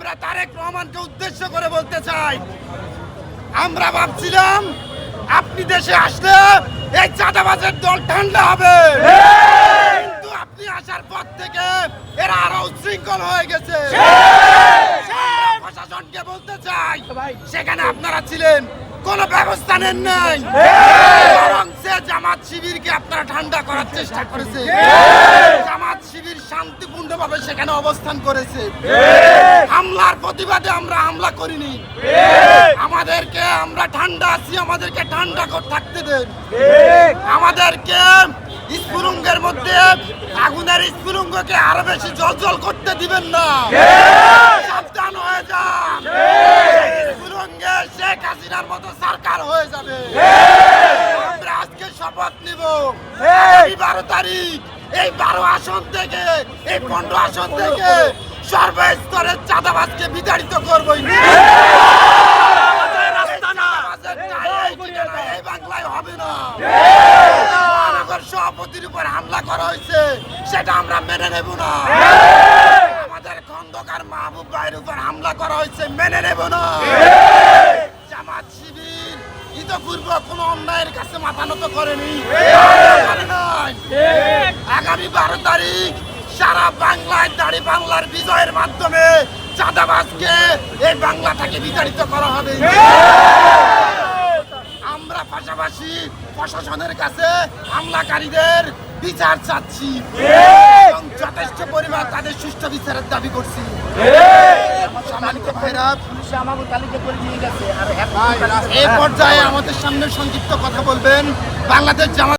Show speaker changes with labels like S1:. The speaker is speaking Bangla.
S1: আমরা তারেক রহমানকে উদ্দেশ্য করে বলতে চাই, আমরা ভাবছিলাম আপনি দেশে আসলে এই চাঁদাবাজের দল ঠান্ডা হবে, কিন্তু আপনি আসার পর থেকে এরা আরো উচ্ছৃঙ্খল হয়ে গেছে। প্রশাসনকে বলতে চাই, সেখানে আপনারা ছিলেন, কোন ব্যবস্থা নেন নাই, বরং সে জামাত শিবিরকে আপনারা ঠান্ডা করার চেষ্টা করেছে। জামাত শিবির শান্তিপূর্ণভাবে সেখানে অবস্থান করেছে। হামলার প্রতিবাদে আমরা হামলা করিনি। আমাদেরকে আমরা ঠান্ডা আছি, আমাদেরকে ঠান্ডা থাকতে দেন। আমাদেরকে স্ফুলিঙ্গের মধ্যে আগুনের স্ফুলিঙ্গকে আরো বেশি জল করতে দিবেন না। সাবধান হয়ে যান, স্ফুলিঙ্গে শেখ হাসিনার মতো সরকার হয়ে যাবে। আমরা আজকে শপথ নিব, 12 তারিখ এই 12 আসন থেকে, এই 15 আসন থেকে সর্বস্তরের চাঁদাবাজকে বিতাড়িত করবই। এই বাংলায় হবে না। মহানগর সভাপতির উপর হামলা করা হয়েছে, সেটা আমরা মেনে নেব না। আমাদের খন্দকার মাহবুব ভাইয়ের উপর হামলা করা হয়েছে, মেনে নেব না। জামাত শিবির ইতপূর্ব কোন অন্যায়ের কাছে মাথা নত করেনি। আগামী 12 তারিখ সারা বাংলায় দাড়ি বাংলার বিজয়ের মাধ্যমে চাঁদাবাজকে এই বাংলা থেকে বিতাড়িত করা হবে। আমরা পাশাপাশি প্রশাসনের কাছে হামলাকারীদের বিচার চাচ্ছি এবং যথেষ্ট পরিমাণ তাদের সুষ্ঠু বিচারের দাবি করছি। সম্মানিত ভাইরা, এই পর্যায়ে আমাদের সামনে সংক্ষিপ্ত কথা বলবেন বাংলাদেশ জামাত